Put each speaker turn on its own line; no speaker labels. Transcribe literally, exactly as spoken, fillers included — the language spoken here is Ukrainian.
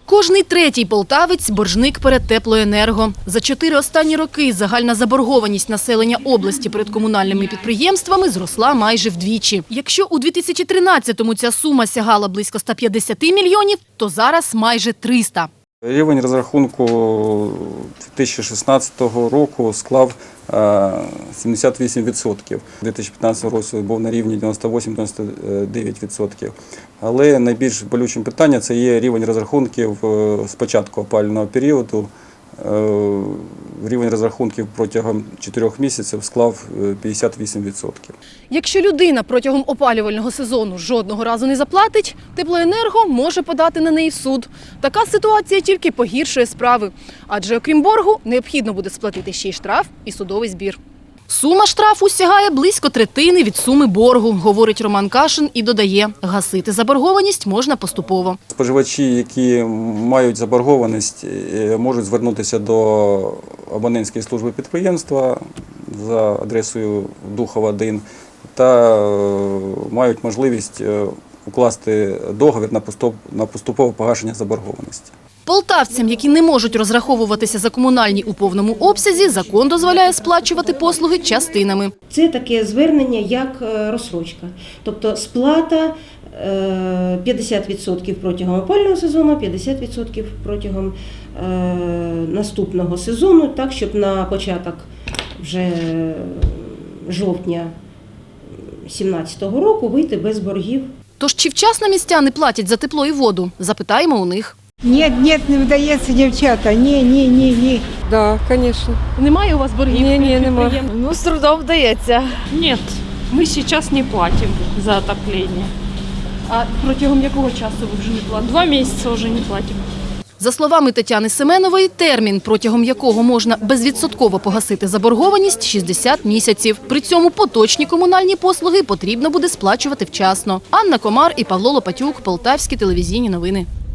Кожний третій полтавець – боржник перед Теплоенерго. За чотири останні роки загальна заборгованість населення області перед комунальними підприємствами зросла майже вдвічі. Якщо у дві тисячі тринадцятому ця сума сягала близько ста п'ятдесяти мільйонів, то зараз майже триста.
Рівень розрахунку дві тисячі шістнадцятого року склав сімдесят вісім відсотків. У дві тисячі п'ятнадцятому році був на рівні дев'яносто вісім - дев'яносто дев'ять відсотків. Але найбільш болючим питанням – це є рівень розрахунків з початку опалювального періоду. Рівень розрахунків протягом чотирьох місяців склав п'ятдесят вісім відсотків.
Якщо людина протягом опалювального сезону жодного разу не заплатить, Теплоенерго може подати на неї в суд. Така ситуація тільки погіршує справи. Адже окрім боргу, необхідно буде сплатити ще й штраф і судовий збір. Сума штрафу сягає близько третини від суми боргу, говорить Роман Кашин і додає, гасити заборгованість можна поступово.
Споживачі, які мають заборгованість, можуть звернутися до абонентської служби підприємства за адресою Духова один та мають можливість укласти договір на поступове погашення заборгованості.
Полтавцям, які не можуть розраховуватися за комунальні у повному обсязі, закон дозволяє сплачувати послуги частинами.
Це таке звернення, як розстрочка. Тобто сплата п'ятдесят відсотків протягом опалювального сезону, п'ятдесят відсотків протягом наступного сезону, так, щоб на початок вже жовтня дві тисячі сімнадцятого року вийти без боргів.
Тож чи вчасно містяни платять за тепло і воду? Запитаємо у них.
Ні, ні, не вдається, дівчата. Ні, ні, ні, ні.
Так, звісно.
Немає у вас боргів?
Ні, ні, немає.
Ну, с трудом вдається.
Нет, мы сейчас не платим за отопление.
А протягом якого часу ви вже не платите?
Два месяца уже не платим.
За словами Тетяни Семенової, термін, протягом якого можна безвідсотково погасити заборгованість – шістдесят місяців. При цьому поточні комунальні послуги потрібно буде сплачувати вчасно. Анна Комар і Павло Лопатюк, Полтавські телевізійні новини.